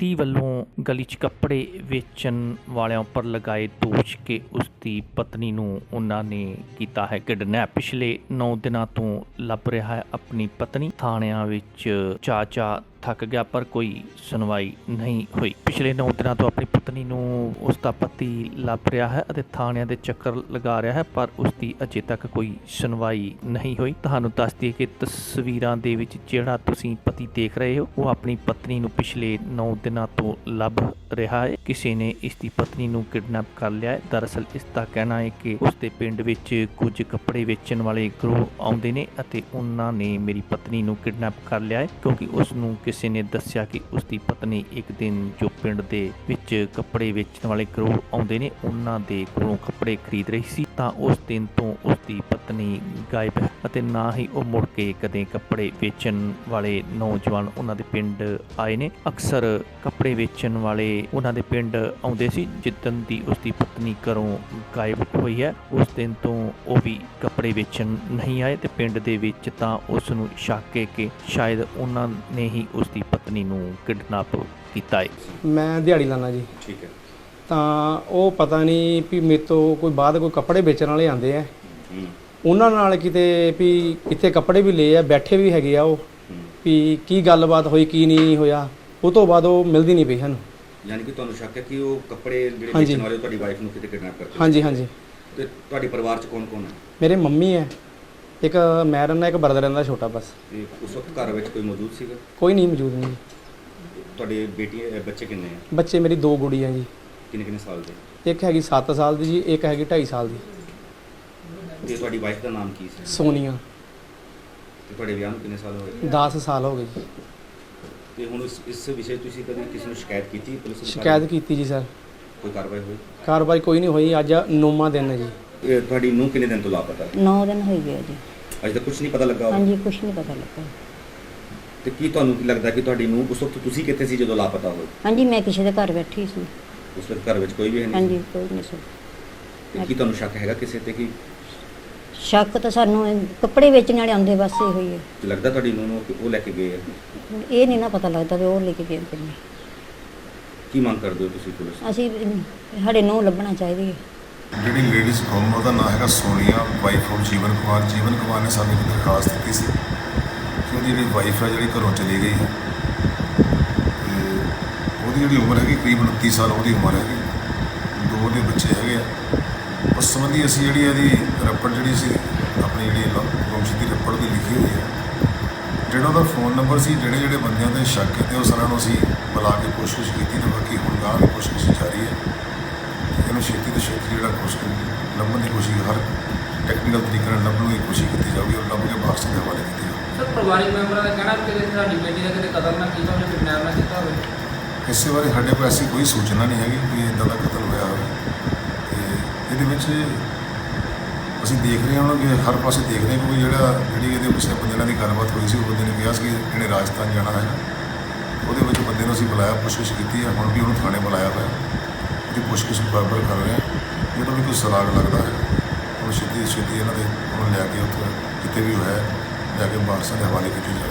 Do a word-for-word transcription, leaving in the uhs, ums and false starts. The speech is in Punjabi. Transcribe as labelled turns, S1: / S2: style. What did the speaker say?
S1: ਪਤੀ ਵੱਲੋਂ ਗਲੀ 'ਚ ਕੱਪੜੇ ਵੇਚਣ ਵਾਲਿਆਂ ਉੱਪਰ ਲਗਾਏ ਦੋਸ਼ ਕਿ ਉਸ ਦੀ ਪਤਨੀ ਨੂੰ ਉਹਨਾਂ ਨੇ ਕੀਤਾ ਹੈ ਕਿਡਨੈਪ। ਪਿਛਲੇ ਨੌ ਦਿਨਾਂ ਤੋਂ ਲੱਭ ਰਿਹਾ ਹੈ ਆਪਣੀ ਪਤਨੀ। ਥਾਣਿਆਂ ਵਿੱਚ ਚਾ ਚਾ ਥੱਕ ਗਿਆ ਪਰ ਕੋਈ ਸੁਣਵਾਈ ਨਹੀਂ ਹੋਈ। ਪਿਛਲੇ ਨੌ ਦਿਨਾਂ ਤੋਂ ਆਪਣੀ ਪਤਨੀ ਨੂੰ ਉਸ ਦਾ ਪਤੀ ਲੱਭ ਰਿਹਾ ਹੈ ਅਤੇ ਥਾਣਿਆਂ ਦੇ ਚੱਕਰ ਲਗਾ ਰਿਹਾ ਹੈ ਪਰ ਉਸ ਦੀ ਅਜੇ ਤੱਕ ਕੋਈ ਸੁਣਵਾਈ ਨਹੀਂ ਹੋਈ। ਤੁਹਾਨੂੰ ਦੱਸ ਦਈਏ ਕਿ ਤਸਵੀਰਾਂ ਦੇ ਵਿੱਚ ਜਿਹੜਾ ਤੁਸੀਂ ਪਤੀ ਦੇਖ ਰਹੇ ਹੋ ਉਹ ਆਪਣੀ ਪਤਨੀ ਨੂੰ ਪਿਛਲੇ ਨੌ ਦਿਨਾਂ ਤੋਂ ਲੱਭ ਰਿਹਾ ਹੈ। ਕਿਸੇ ਨੇ ਇਸ ਦੀ ਪਤਨੀ ਨੂੰ ਕਿਡਨੈਪ ਕਰ ਲਿਆ ਹੈ। ਦਰਅਸਲ ਇਸ ਦਾ ਕਹਿਣਾ ਹੈ ਕਿ ਉਸ ਦੇ ਪਿੰਡ ਵਿੱਚ ਕੁਝ ਕੱਪੜੇ ਵੇਚਣ ਵਾਲੇ ਗਰੋਹ ਆਉਂਦੇ ਨੇ ਅਤੇ ਉਹਨਾਂ ਨੇ ਮੇਰੀ ਪਤਨੀ ਨੂੰ ਕਿਡਨੈਪ ਕਰ ਲਿਆ ਹੈ ਕਿਉਂਕਿ ਉਸ ਨੂੰ ਕਿਸੇ ਨੇ ਦੱਸਿਆ ਕਿ ਉਸ ਦੀ ਪਤਨੀ ਇੱਕ ਦਿਨ ਜੋ ਪਿੰਡ ਦੇ ਵਿੱਚ ਕੱਪੜੇ ਵੇਚਣ ਵਾਲੇ ਗਰੋਹ ਆਉਂਦੇ ਨੇ ਉਹਨਾਂ ਦੇ ਕੋਲੋਂ ਕੱਪੜੇ ਖਰੀਦ ਰਹੀ ਸੀ ਤਾਂ ਉਸ ਦਿਨ ਤੋਂ ਉਸ ਦੀ ਪਤਨੀ ਗਾਇਬ ਹੈ ਅਤੇ ਨਾ ਹੀ ਉਹ ਮੁੜ ਕੇ ਕਦੇ ਕੱਪੜੇ ਵੇਚਣ ਵਾਲੇ ਨੌਜਵਾਨ ਉਹਨਾਂ ਦੇ ਪਿੰਡ ਆਏ ਨੇ। ਅਕਸਰ ਕੱਪੜੇ ਵੇਚਣ ਵਾਲੇ ਉਹਨਾਂ ਦੇ ਪਿੰਡ ਆਉਂਦੇ ਸੀ। ਜਿੱਦਣ ਦੀ ਉਸ ਦੀ ਪਤਨੀ ਘਰੋਂ ਗਾਇਬ ਹੋਈ ਹੈ ਉਸ ਦਿਨ ਤੋਂ ਉਹ ਵੀ ਕੱਪੜੇ ਵੇਚਣ ਨਹੀਂ ਆਏ ਤੇ ਪਿੰਡ ਦੇ ਵਿੱਚ ਤਾਂ ਉਸ ਨੂੰ ਸ਼ੱਕ ਹੈ ਕਿ ਸ਼ਾਇਦ ਉਹਨਾਂ ਨੇ ਹੀ ਉਸ ਦੀ ਪਤਨੀ ਨੂੰ ਕਿਡਨੈਪ ਕੀਤਾ ਹੈ।
S2: ਮੈਂ ਦਿਹਾੜੀ ਲਾਣਾ ਜੀ।
S3: ਠੀਕ ਹੈ।
S2: ਤਾਂ ਉਹ ਪਤਾ ਨਹੀਂ ਵੀ ਮੇਰੇ ਤੋਂ ਕੋਈ ਬਾਅਦ ਕੋਈ ਕੱਪੜੇ ਵੇਚਣ ਵਾਲੇ ਆਉਂਦੇ ਆ, ਉਹਨਾਂ ਨਾਲ ਕਿਤੇ ਵੀ ਕਿਤੇ ਕੱਪੜੇ ਵੀ ਲਏ ਆ, ਬੈਠੇ ਵੀ ਹੈਗੇ ਆ ਉਹ ਵੀ ਕੀ ਗੱਲਬਾਤ ਹੋਈ ਕੀ ਨਹੀਂ ਹੋਇਆ। ਉਹ ਤੋਂ ਬਾਅਦ ਉਹ ਮਿਲਦੀ ਨਹੀਂ ਪਈ ਸਾਨੂੰ।
S3: ਯਾਨੀ ਕਿ ਤੁਹਾਨੂੰ ਸ਼ੱਕ ਹੈ ਕਿ ਉਹ ਕੱਪੜੇ ਜਿਹੜੇ
S2: ਹਾਂਜੀ।
S3: ਵੇਚਣ ਵਾਲੇ ਤੁਹਾਡੀ ਵਾਈਫ ਨੂੰ ਕਿਤੇ ਕਿਡਨੈਪ ਕਰਦੇ?
S2: ਹਾਂਜੀ ਹਾਂਜੀ।
S3: ਤੇ ਤੁਹਾਡੇ ਪਰਿਵਾਰ 'ਚ ਕੌਣ ਕੌਣ ਹੈ?
S2: ਮੇਰੇ ਮੰਮੀ ਹੈ, ਇੱਕ ਮੈਂ ਰਹਿੰਦਾ, ਇੱਕ ਬਰਦਰ ਰਹਿੰਦਾ ਛੋਟਾ ਬਸ।
S3: ਤੇ ਉਸ ਵਕਤ ਘਰ ਵਿੱਚ ਕੋਈ ਮੌਜੂਦ ਸੀਗਾ?
S2: ਕੋਈ ਨਹੀਂ ਮੌਜੂਦ ਨਹੀਂ।
S3: ਤੁਹਾਡੇ ਬੇਟੀ ਬੱਚੇ ਕਿੰਨੇ ਆ?
S2: ਬੱਚੇ ਮੇਰੀ ਦੋ ਗੁੜੀਆਂ ਜੀ।
S3: ਕਿੰਨੇ ਕਿੰਨੇ ਸਾਲ ਦੇ?
S2: ਇੱਕ ਹੈਗੀ ਸੱਤ ਸਾਲ ਦੀ ਜੀ, ਇੱਕ ਹੈਗੀ ਢਾਈ ਸਾਲ ਦੀ।
S3: ਤੇ ਤੁਹਾਡੀ ਵਾਈਫ ਦਾ ਨਾਮ ਕੀ ਸੀ?
S2: ਸੋਨੀਆ।
S3: ਤੇ ਤੁਹਾਡੇ ਵਿਆਹ ਨੂੰ ਕਿੰਨੇ ਸਾਲ ਹੋਏ?
S2: ਦਸ ਸਾਲ ਹੋ ਗਏ ਜੀ।
S3: ਤੇ ਹੁਣ ਇਸ ਇਸ ਵਿਸ਼ੇ ਤੁਸੀਂ ਕਦੇ ਕਿਸੇ ਨੂੰ ਸ਼ਿਕਾਇਤ ਕੀਤੀ ਪੁਲਿਸ ਨੂੰ?
S2: ਸ਼ਿਕਾਇਤ ਕੀਤੀ ਜੀ ਸਰ।
S3: ਕੋਈ ਕਾਰਵਾਈ ਹੋਈ?
S2: ਕਾਰਵਾਈ ਕੋਈ ਨਹੀਂ ਹੋਈ। ਅੱਜ ਨੌਵਾਂ ਦਿਨ ਹੈ ਜੀ।
S3: ਇਹ ਤੁਹਾਡੀ ਨੂੰ ਕਿੰਨੇ ਦਿਨ ਤੋਂ ਲਾਪਤਾ?
S4: ਨੌ ਦਿਨ ਹੋ ਗਏ ਜੀ।
S3: ਅਜੇ ਤੱਕ ਕੁਝ ਨਹੀਂ ਪਤਾ ਲੱਗਾ?
S4: ਹਾਂਜੀ, ਕੁਝ ਨਹੀਂ ਪਤਾ ਲੱਗਾ।
S3: ਤੇ ਕੀ ਤੁਹਾਨੂੰ ਕੀ ਲੱਗਦਾ ਕਿ ਤੁਹਾਡੀ ਨੂੰ ਉਸ ਵਕਤ ਤੁਸੀਂ ਕਿੱਥੇ ਸੀ ਜਦੋਂ ਲਾਪਤਾ ਹੋਏ?
S4: ਹਾਂਜੀ, ਮੈਂ ਕਿਸੇ ਦੇ ਘਰ ਬੈਠੀ ਸੀ।
S3: ਉਸ ਵਕਤ ਘਰ ਵਿੱਚ ਕੋਈ ਵੀ ਹੈ ਨਹੀਂ?
S4: ਹਾਂਜੀ, ਕੋਈ ਨਹੀਂ ਸੀ।
S3: ਤੇ ਕੀ ਤੁਹਾਨੂੰ ਸ਼ੱਕ ਹੈਗਾ ਕਿਸੇ ਤੇ? ਕਿ
S4: ਸ਼ੱਕ ਤਾਂ ਸਾਨੂੰ ਇਹ ਕੱਪੜੇ ਵੇਚਣ ਵਾਲੇ ਆਉਂਦੇ ਬਸ ਇਹ ਹੋਈ ਹੈ।
S3: ਲੱਗਦਾ ਤੁਹਾਡੀ ਨੂੰ ਕਿ ਉਹ ਲੈ ਕੇ ਗਏ ਆ?
S4: ਹੁਣ ਇਹ ਨਹੀਂ ਨਾ ਪਤਾ ਲੱਗਦਾ ਵੀ ਉਹ ਲੈ ਕੇ ਗਏ ਕਿ ਨਹੀਂ।
S3: ਕੀ ਮੰਗ ਕਰਦੇ ਹੋ ਤੁਸੀਂ ਪੁਲਿਸ ਤੋਂ?
S4: ਅਸੀਂ ਸਾਡੇ ਨੂੰ ਲੱਭਣਾ ਚਾਹੀਦੀ ਹੈ।
S5: ਜਿਹੜੀ ਲੇਡੀਜ਼ ਗੁੰਮ ਉਹਦਾ ਨਾਮ ਹੈਗਾ ਸੋਨੀਆ, ਵਾਈਫ ਆਫ ਜੀਵਨ ਕੁਮਾਰ। ਜੀਵਨ ਕੁਮਾਰ ਨੇ ਸਾਨੂੰ ਇੱਕ ਦਰਖਾਸਤ ਦਿੱਤੀ ਸੀ ਕਿ ਉਹਦੀ ਜਿਹੜੀ ਵਾਈਫ ਹੈ ਜਿਹੜੀ ਘਰੋਂ ਚਲੀ ਗਈ ਹੈ ਤੇ ਉਹਦੀ ਜਿਹੜੀ ਉਮਰ ਹੈਗੀ ਕਰੀਬ ਉਨੱਤੀ ਸਾਲ ਉਹਦੀ ਉਮਰ ਹੈਗੀ। ਦੋ ਉਹਦੇ ਬੱਚੇ ਹੈਗੇ ਆ। ਉਸ ਸੰਬੰਧੀ ਅਸੀਂ ਜਿਹੜੀ ਇਹਦੀ ਰੱਪੜ ਜਿਹੜੀ ਸੀ ਆਪਣੀ ਜਿਹੜੀ ਗੁੰਮਸ਼ੁਦਗੀ ਦੀ ਰੱਪੜ ਦੀ ਲਿਖੀ ਹੋਈ ਹੈ। ਜਿਹੜਾ ਉਹਦਾ ਫੋਨ ਨੰਬਰ ਸੀ, ਜਿਹੜੇ ਜਿਹੜੇ ਬੰਦਿਆਂ 'ਤੇ ਸ਼ੱਕ ਕੀਤੇ ਉਹ ਸਾਰਿਆਂ ਨੂੰ ਅਸੀਂ ਬੁਲਾ ਕੇ ਪੁੱਛਗਿੱਛ ਕੀਤੀ ਤੇ ਬਾਕੀ ਹੁਣ ਗਾਂਹ ਦੀ ਪੁੱਛਗਿੱਛ ਜਾਰੀ ਹੈ। ਇਹਨੂੰ ਛੇਤੀ ਤੋਂ ਛੇਤੀ ਜਿਹੜਾ ਕੋਸ਼ਿਸ਼ ਲੱਭਣ ਦੀ ਕੋਸ਼ਿਸ਼ ਹਰ ਟੈਕਨੀਕਲ ਤਰੀਕੇ ਨਾਲ ਲੱਭਣ ਦੀ ਕੋਸ਼ਿਸ਼ ਕੀਤੀ ਜਾਊਗੀ ਔਰ ਲੱਭ ਕੇ ਵਾਰਸਾਂ ਦੇ ਹਵਾਲੇ ਕੀਤੀ ਜਾਊਗੀ।
S6: ਸਰ, ਪਰਿਵਾਰਿਕ ਮੈਂਬਰਾਂ ਦਾ ਕਹਿਣਾ ਕਿ ਸਾਡੀ ਬੇਟੀ ਦਾ ਕਿਤੇ ਕਤਲ ਨਾ ਕੀਤਾ ਹੋਵੇ, ਕਿਡਨੈਪ ਨਾ ਕੀਤਾ ਹੋਵੇ।
S5: ਇਸੇ ਬਾਰੇ ਸਾਡੇ ਕੋਲ ਐਸੀ ਕੋਈ ਸੂਚਨਾ ਨਹੀਂ ਹੈਗੀ ਕਿ ਇੱਦਾਂ ਦਾ ਕਤਲ ਹੋਇਆ ਹੋਵੇ। ਤੇ ਇਹਦੇ ਵਿੱਚ ਅਸੀਂ ਦੇਖ ਰਹੇ ਹਾਂ ਕਿ ਹਰ ਪਾਸੇ ਦੇਖ ਰਹੇ ਕੋਈ ਜਿਹੜਾ ਜਿਹੜੀ ਇਹਦੇ ਪਿੱਛੇ ਬੰਦੇ ਨਾਲ ਦੀ ਗੱਲਬਾਤ ਹੋਈ ਸੀ ਉਹ ਬੰਦੇ ਨੇ ਕਿਹਾ ਸੀ ਕਿ ਇਹਨੇ ਰਾਜਸਥਾਨ ਜਾਣਾ ਹੈ। ਉਹਦੇ ਵਿੱਚ ਬੰਦੇ ਨੂੰ ਅਸੀਂ ਬੁਲਾਇਆ, ਪੁੱਛਗਿੱਛ ਕੀਤੀ ਹੈ। ਹੁਣ ਵੀ ਉਹਨੂੰ ਥਾਣੇ ਬੁਲਾਇਆ ਹੋਇਆ, ਉਹਦੀ ਪੁੱਛਗਿੱਛ ਬਰਾਬਰ ਕਰ ਰਹੇ ਹਾਂ। ਜਦੋਂ ਵੀ ਕੋਈ ਸਰਾਗ ਲੱਗਦਾ ਹੈ ਉਹ ਛੇਤੀ ਛੇਤੀ ਇਹਨਾਂ ਦੇ ਉਹਨੂੰ ਲਿਆ ਕੇ ਉੱਥੇ ਜਿੱਥੇ ਵੀ ਹੋਇਆ ਲਿਆ ਕੇ ਵਾਰਸਾਂ ਦੇ ਹਵਾਲੇ ਕੀਤੀ ਜਾਵੇ।